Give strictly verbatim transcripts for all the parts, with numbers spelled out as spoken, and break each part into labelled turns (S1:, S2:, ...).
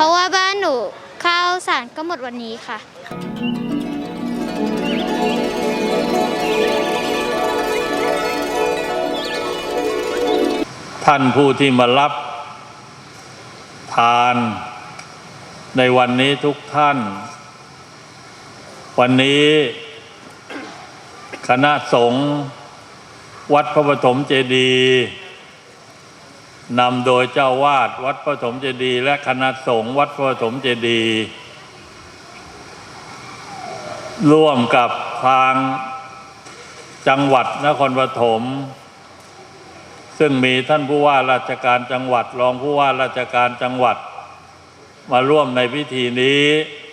S1: ราะว่าบ้านหนูข้าวสารก็หมดวันนี้ค่ะ
S2: ท่านผู้ที่มารับทานในวันนี้ทุกท่านวันนี้คณะสงฆ์วัดพระปฐมเจดีย์นำโดยเจ้าวาดวัดพระปฐมเจดีย์และคณะสงฆ์วัดพระปฐมเจดีย์ร่วมกับทางจังหวัดนครปฐมซึ่งมีท่านผู้ว่าราชการจังหวัดรองผู้ว่าราชการจังหวัดมาร่วมในพิธีนี้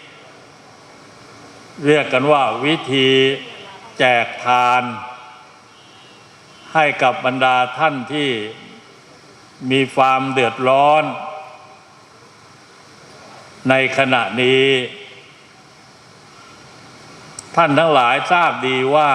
S2: เรียกกันว่าวิธีแจกทานให้กับบรรดาท่านที่มีความเดือดร้อนในขณะนี้ท่านทั้งหลายทราบดีว่า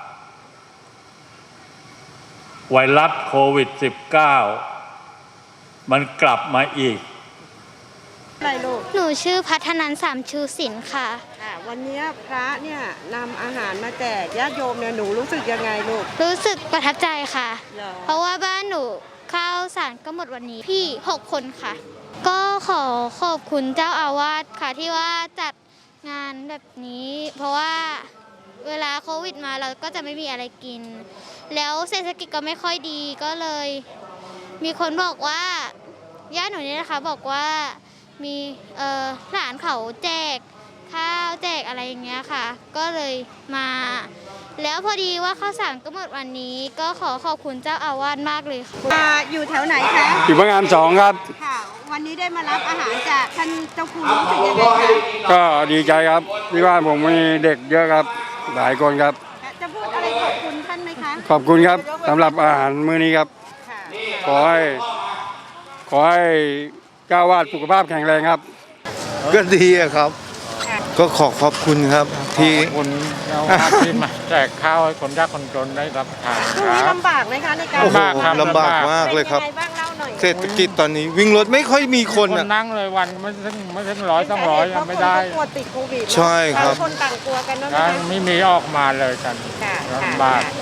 S2: ไวรัสโควิด สิบเก้า มันกลับมาอีก
S3: อะไรลูก
S1: หนูชื่อพัฒนันท์สามชูศิลป์ค่ะ
S3: วันนี้พระเนี่ยนำอาหารมาแจกญาติโยมเนี่ยหนูรู้สึกยังไงลูก
S1: รู้สึกประทับใจค่ะเพราะว่าบ้านหนูข้าวสารก็หมดวันนี้พี่หกคนค่ะก็ขอขอบคุณเจ้าอาวาสค่ะที่ว่าจัดงานแบบนี้เพราะว่าเวลาโควิดมาเราก็จะไม่มีอะไรกินแล้วเศรษฐกิจก็ไม่ค่อยดีก็เลยมีคนบอกว่าญาติหนูนี่นะคะบอกว่ามีเอ่อหลานเขาแจกข้าวแจกอะไรอย่างเงี้ยค่ะก็เลยมาแล้วพอดีว่าข้าวสารก็หมดวันนี้ก็ขอขอบคุณเจ้าอาวาสมากเลยค่ะ
S3: อยู่แถวไหนคะ
S4: อยู่พระงามสองครับ
S3: ค่ะวันนี้ได้มารับอาหารจากท่านเจ้าคุณรู้สึกยังไงคะ
S4: ก็ดีใจครับที่ว่าผมมีเด็กเยอะครับหลายคนครับ
S3: จะพูดอะไรขอบคุณท่านไหมคะ
S4: ขอบคุณครับสำหรับอาหารมื้อนี้ครับขอให้ขอให้เจ้าวาดสุขภาพแข็งแรงครับ
S5: ก็ดีครับก็ขอขอบคุณครับที่
S6: คนเจ้าวาดที่มาแจกข้าวให้คนยากคนจนได้รับทาน
S3: ช่วงนี้ลำบากไหมคะในการ
S5: โอ้โหลำบากมากเลยครับเศรษฐกิจตอนนี้วิ่งรถไม่ค่อยมีคน
S6: อ่ะนั่งเลยวันไม่ถึงไม่ถึงร้อยต้องร้อยยังไม่ได้
S3: กลัวติดโควิด
S5: ใช่ครับ
S3: คนต่างกลัวกันนะ
S6: ไม่มีออกมาเลยกันลำบาก